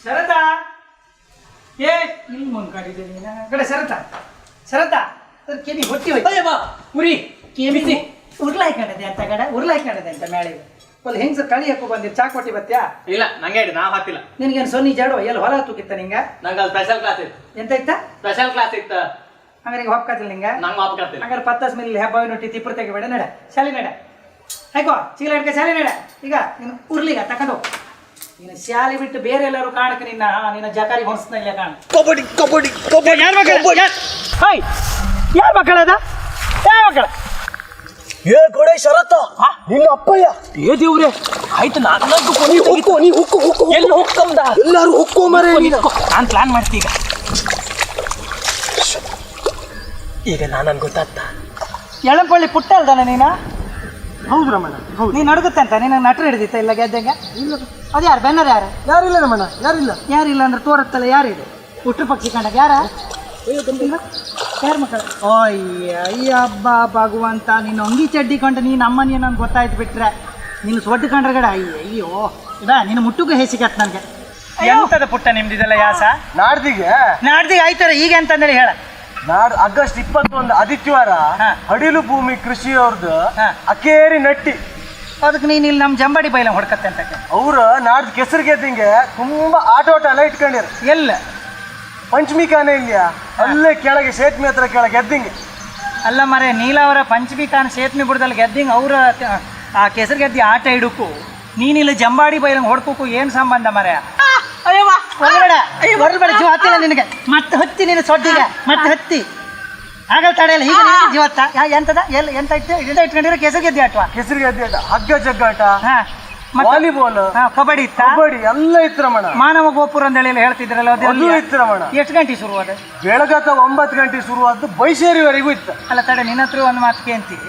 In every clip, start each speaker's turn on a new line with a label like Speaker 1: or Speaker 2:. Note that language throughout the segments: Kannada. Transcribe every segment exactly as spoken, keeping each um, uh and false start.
Speaker 1: ಶರತಾ ಏ ಇಲ್ಲಿ ಮುಂದ್ಕೊಂಡಿದ್ದೆ ನೀನು ಕಡೆ ಶರತಾ ಶರತಾ ಅದ್ರ ಕೆಮಿ ಹೊಟ್ಟಿ ಹೋಯ್ತು ಉರಿ ಕೆಮಿಸಿ ಉರ್ಲಾಯ್ಕೊಂಡದೆ ಅಂತ ಕಡೆ ಉರ್ಲಾಯ್ಕೊಂಡದೆ ಅಂತ ಮೇಳಿಗೆ ಅಲ್ಲಿ ಹೆಂಗ್ ಸರ್ ಕಳಿ ಹಾಕೋ ಬಂದಿರ್ ಚಾ ಕೊಟ್ಟಿ ಬತ್ತ್ಯಾ
Speaker 2: ಇಲ್ಲ ನಂಗೆ ಹೇಳಿ ನಾವು ಹಾಕಿಲ್ಲ
Speaker 1: ನಿನ್ಗೇನು ಸೊನ್ನಿ ಜಾಡು ಎಲ್ಲಿ ಹೊಲ ತೂಕಿತ್ತ ನಿಂಗೆ
Speaker 2: ನಂಗೆ ಅಲ್ಲಿ ಸ್ಪೆಷಲ್ ಕ್ಲಾಸ್ ಇತ್ತು
Speaker 1: ಎಂತ ಇತ್ತ
Speaker 2: ಸ್ಪೆಷಲ್ ಕ್ಲಾಸ್ ಇತ್ತು
Speaker 1: ಹಂಗಾರೆ ಈಗ ಹೊಪ್ಕಾತಿಲ್ಲ ನಿಂಗೆ
Speaker 2: ನಂಗೆ ಮಾಪಕತ್ತಿಲ್ಲ
Speaker 1: ಹಂಗಾರೆ ಪತ್ತಾಸ್ ಮೇಲೆ ಹಬ್ಬ ನೊಟ್ಟಿ ತಿಪ್ಪರು ತೆಗಿಬೇಡ ನಡ ಶಾಲೆ ನಡ ಹಾಕೋ ಚೀಲ ಹಿಡ್ಕ ಶಾಲೆ ನಡ ಈಗ ನೀನು ಉರ್ಲಿಗ ತಕೊಂಡು ನೀನು ಶಾಲೆ ಬಿಟ್ಟು ಬೇರೆ ಎಲ್ಲರೂ ಕಾಣಕ್ಕೆ ನಿನ್ನ ನಿನ್ನ ಜಕಾರಿ ಹೊಣಸ್ನ ಇಲ್ಲ ಕಾಣ
Speaker 3: ಕಬಡ್ಡಿ ಕಬಡ್ಡಿ ಕಬಡ್ಡಿ
Speaker 1: ಯಾರ ಮಕ್ಕಳ ಹಾಯ್ ಯಾರ ಮಕ್ಕಳದ ಯಾವ ಮಕ್ಕಳ
Speaker 3: ಏ ಕೊಡೆ ಶರತ್ತ ನಿನ್ನ ಅಪ್ಪಯ್ಯ
Speaker 1: ಏ ದೇವ್ರೆ ಆಯ್ತು ನಾನು
Speaker 3: ನೀ ಹುಕ್ಕು ನೀ ಹುಕ್ಕು ಹುಕ್ಕು
Speaker 1: ಎಲ್ಲಿ ಹೋಗ್ಕಂದ
Speaker 3: ಎಲ್ಲಾರು ಹುಕ್ಕೋ ಮರೆ
Speaker 1: ನಾನು ಪ್ಲಾನ್ ಮಾಡ್ತೀಗ
Speaker 3: ಈಗ ನಾನನ್ ಗೊತ್ತಾಗ್ತಾ
Speaker 1: ಎಳಂಪಳ್ಳಿ ಪುಟ್ಟ ಅಲ್ದಾನ ನೀನು
Speaker 3: ಹೌದು ರಮಣ ಹೌದು
Speaker 1: ನೀನು ನಡುಗುತ್ತೆ ಅಂತ ನೀನು ನಟರು ಹಿಡಿದಿತ್ತ ಇಲ್ಲ ಗೆದ್ದಂಗೆ
Speaker 3: ಇಲ್ಲ
Speaker 1: ಅದು ಯಾರು ಬೆನ್ನರ್ ಯಾರು
Speaker 3: ಯಾರಿಲ್ಲ ರಮಣ ಯಾರಿಲ್ಲ
Speaker 1: ಯಾರಿಲ್ಲ ಅಂದ್ರೆ ತೋರತ್ತಲ್ಲ ಯಾರಿದೆ ಹುಟ್ರು ಪಕ್ಷಿ ಕಂಡಾಗ ಯಾರ ಯಾರು ಮಕ್ಕಳು ಅಯ್ಯ ಅಯ್ಯ ಹಬ್ಬ ಭಗವಂತ ನೀನು ಅಂಗಿ ಚಡ್ಡಿ ಕಂಡು ನೀನು ಅಮ್ಮನಿಯ ನನ್ಗೆ ಗೊತ್ತಾಯ್ತು ಬಿಟ್ರೆ ನೀನು ಸೊಡ್ಡು ಕಂಡ್ರೆ ಗಡ ಅಯ್ಯ ಅಯ್ಯೋ ಇದ ನೀನು ಮುಟ್ಟುಗೂ ಹೇಸಿಕತ್ ನನಗೆ ಎಂತದ ಪುಟ್ಟ ನಿಮ್ದಿದೆಲ್ಲ ಯಾಸ
Speaker 3: ನಾಡ್ದಿಗೆ
Speaker 1: ನಾಡ್ದಿಗೆ ಆಯ್ತಾರ ಈಗ ಅಂತಂದೇಳಿ ಹೇಳ
Speaker 3: ನಾಡ್ ಆಗಸ್ಟ್ ಇಪ್ಪತ್ತೊಂದು ಆದಿತ್ಯವಾರ
Speaker 1: ಹಾ.
Speaker 3: ಅಡಿಲು ಭೂಮಿ ಕೃಷಿ ಅವ್ರದ್ದು
Speaker 1: ಹಾ.
Speaker 3: ಅಕೇರಿ ನಟ್ಟಿ
Speaker 1: ಅದಕ್ಕೆ ನೀನು ಇಲ್ಲಿ ನಮ್ಮ ಜಂಬಾಡಿ ಬೈಲ ಹೊಡ್ಕತ್ತೆ ಅಂತ
Speaker 3: ಅವ್ರ ನಾಡ್ದು ಕೆಸರು ಗೆದ್ದಿಂಗೆ ತುಂಬಾ ಆಟೋಟ ಎಲ್ಲ ಇಟ್ಕೊಂಡಿರ
Speaker 1: ಎಲ್ಲ
Speaker 3: ಪಂಚಮಿ ಕಾನೆ ಇಲ್ಯಾ ಅಲ್ಲೇ ಕೆಳಗೆ ಸೇತುವೆ ಹತ್ರ ಕೆಳಗೆ ಗೆದ್ದಿಂಗೆ
Speaker 1: ಅಲ್ಲ ಮರೆ ನೀಲವರ ಪಂಚಮಿ ಖಾನ್ ಸೇತ್ಮಿ ಬುಡದಲ್ಲಿ ಗೆದ್ದಿಂಗ್ ಅವ್ರ ಆ ಕೆಸರು ಗೆದ್ದಿ ಆಟ ಇಡಕ್ಕೂ ನೀನಿಲ್ಲ ಜಂಬಾಡಿ ಬೈಲಂಗೆ ಹೊಡ್ಕೋಕು ಏನು ಸಂಬಂಧ ಮರೆ ಹೊರಬೇಡ ಹೊರಬೇಡ ಜೀವ ಹತ್ತಿಲ್ಲ ನಿನಗೆ ಮತ್ತೆ ಹತ್ತಿ ನೀನು ಸೊಡ್ಡಿಗೆ ಮತ್ತೆ ಹತ್ತಿ ಆಗಲ್ ತಡೆಯಲ್ಲ ಈಗ ನೀನು ಜೀವತ್ತ ಎಂತದ ಎಲ್ಲಿ ಎಂತ ಇಟ್ಟು ಇಡ ಇಟ್ಕೊಂಡಿರೋ ಕೆಸರು ಗೆದ್ದಿ ಆಟವಾ
Speaker 3: ಕೆಸರು ಗೆದ್ದಿ ಆಟ ಹಗ್ಗ ಜಗ್ಗಾಟ
Speaker 1: ಹಾಂ
Speaker 3: ವಾಲಿಬಾಲ್
Speaker 1: ಕಬಡ್ಡಿ ಇತ್ತ
Speaker 3: ಕಬಡ್ಡಿ ಎಲ್ಲ ಇತ್ತು ರಮಣ
Speaker 1: ಮಾನವ ಗೋಪುರ ಅಂತೇಳಿ ಎಲ್ಲ ಹೇಳ್ತಿದ್ರಲ್ಲ
Speaker 3: ಅದು
Speaker 1: ಅದು
Speaker 3: ಇತ್ತು ರಮಣ
Speaker 1: ಎಷ್ಟು ಗಂಟೆ ಶುರು ಅದು
Speaker 3: ಬೆಳಗತ್ತ ಒಂಬತ್ತು ಗಂಟೆ ಶುರುವಾದ್ದು ಬೈಸೇರಿವರೆಗೂ ಇತ್ತು
Speaker 1: ಅಲ್ಲ ತಡೆ ನಿನ್ನ ಹತ್ರ ಒಂದು ಮಾತು ಕೇಂತಿ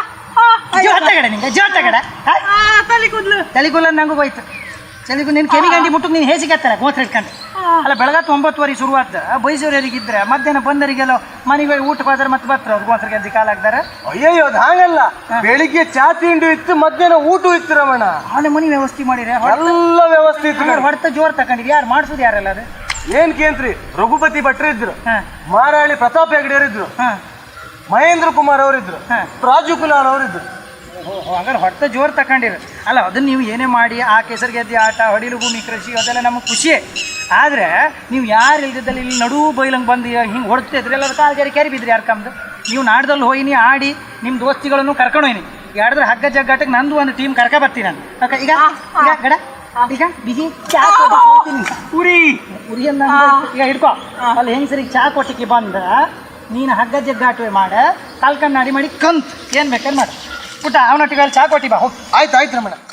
Speaker 1: ಜೋತಗಡೆ ನಿಂಗೆ ಜೋತಗಡೆ ತಲೆ ಕೂದಲು ತಲೆ ಕೂದಲು ನಂಗೂ ಹೋಯ್ತು ಚಲಿಗೂ ನಿನ್ನ ಕೆಮಿಗಂಡಿ ಮುಟ್ಟು ನೀನು ಹೇಸಿಗತ್ತಾರೆ ಗೋತ್ರ ಇಟ್ಕೊಂಡು ಅಲ್ಲ ಬೆಳಗತ್ತು ಒಂಬತ್ತುವರೆ ಶುರುವಾದ ಬೈಸೂರಿಗಿದ್ರೆ ಮಧ್ಯಾಹ್ನ ಬಂದರಿಗೆಲ್ಲ ಮನೆಗೆ ಊಟಕ್ಕೆ ಹೋದ್ರೆ ಮತ್ತೆ ಬರ್ತಾರೆ ಅವ್ರು ಗೋತ್ರ ಗೆದ್ದಿ ಕಾಲ ಹಾಕ್ತಾರೆ
Speaker 3: ಅಯ್ಯಯ್ಯೋ ಅದು ಹಾಗಲ್ಲ ಬೆಳಿಗ್ಗೆ ಚಾ ತಿಂಡಿ ಇತ್ತು ಮಧ್ಯಾಹ್ನ ಊಟ ಇತ್ತು ರಮಣ
Speaker 1: ಅವನ ಮನೆ ವ್ಯವಸ್ಥೆ ಮಾಡಿದ್ರೆ
Speaker 3: ಎಲ್ಲ ವ್ಯವಸ್ಥೆ ಇತ್ತು
Speaker 1: ಹೊಡೆತ ಜೋರ್ ತಗೊಂಡಿರಿ ಯಾರು ಮಾಡಿಸೋದು ಯಾರೆಲ್ಲ ಅದು
Speaker 3: ಏನ್ ಕೇಂದ್ರಿ ರಘುಪತಿ ಭಟ್ರು ಇದ್ರು
Speaker 1: ಹಾಂ
Speaker 3: ಮಾರಾಳಿ ಪ್ರತಾಪ್ ಹೆಗಡೆಯವರು ಇದ್ರು
Speaker 1: ಹಾಂ
Speaker 3: ಮಹೇಂದ್ರ ಕುಮಾರ್ ಅವರಿದ್ರು
Speaker 1: ಹಾ.
Speaker 3: ರಾಜು ಕುಲಾರ್ ಅವರಿದ್ರು
Speaker 1: ಹಂಗಾರೆ ಹೊಡೆತ ಜೋರ್ ತಗೊಂಡಿರು ಅಲ್ಲ ಅದನ್ನ ನೀವು ಏನೇ ಮಾಡಿ ಆ ಕೆಸರು ಗೆದ್ದಿ ಆಟ ಹೊಡಿಲು ಭೂಮಿ ಕೃಷಿ ಅದೆಲ್ಲ ನಮಗೆ ಖುಷಿಯೇ ಆದರೆ ನೀವು ಯಾರು ಇಲ್ದಿದ್ದಲ್ಲಿ ಇಲ್ಲಿ ನಡು ಬೈಲಂಗೆ ಬಂದು ಹಿಂಗೆ ಹೊಡ್ತಿದ್ರಿ ಎಲ್ಲ ಕಾಲು ಜಾರಿ ಕ್ಯಾರಿ ಬಿದ್ರಿ ಯಾರು ಕಮ್ದು ನೀವು ನಾಡ್ದಲ್ಲಿ ಹೋಯ್ನಿ ಆಡಿ ನಿಮ್ಮ ದೋಸ್ತಿಗಳನ್ನು ಕರ್ಕೊಂಡು ಹೋಯ್ನಿ ಯಾಡಿದ್ರೆ ಹಗ್ಗ ಜಗ್ಗಾಟಕ್ಕೆ ನಂದು ಒಂದು ಟೀಮ್ ಕರ್ಕ ಬರ್ತೀನಿ ನಾನು ಓಕೆ ಈಗ ಈಗ ಗಡ ಈಗ ಬಿಸಿ ಚಾ ಕೊಡ್ತೀನಿ ಉರಿ ಉರಿ ಅಂದ ಈಗ ಹಿಡ್ಕೊ ಅಲ್ಲಿ ಹೆಂಗಸರಿಗೆ ಚಾ ಕೊಟ್ಟಿಗೆ ಬಂದ ನೀನು ಹಗ್ಗ ಜಗ್ಗಾಟುವೆ ಮಾಡ ಕಾಲ್ಕಂಡು ನಾಡಿ ಮಾಡಿ ಕಂತ್ ಏನು ಬೇಕಾದ್ರೆ ಮಾಡು ಪುಟ್ಟ ಅವನೊಟ್ಟಿಗೆ ಅಲ್ಲಿ ಚಾ ಕೊಟ್ಟಿ ಬಾ ಹೋಗಿ
Speaker 3: ಆಯ್ತು ಆಯ್ತು ರಮಣ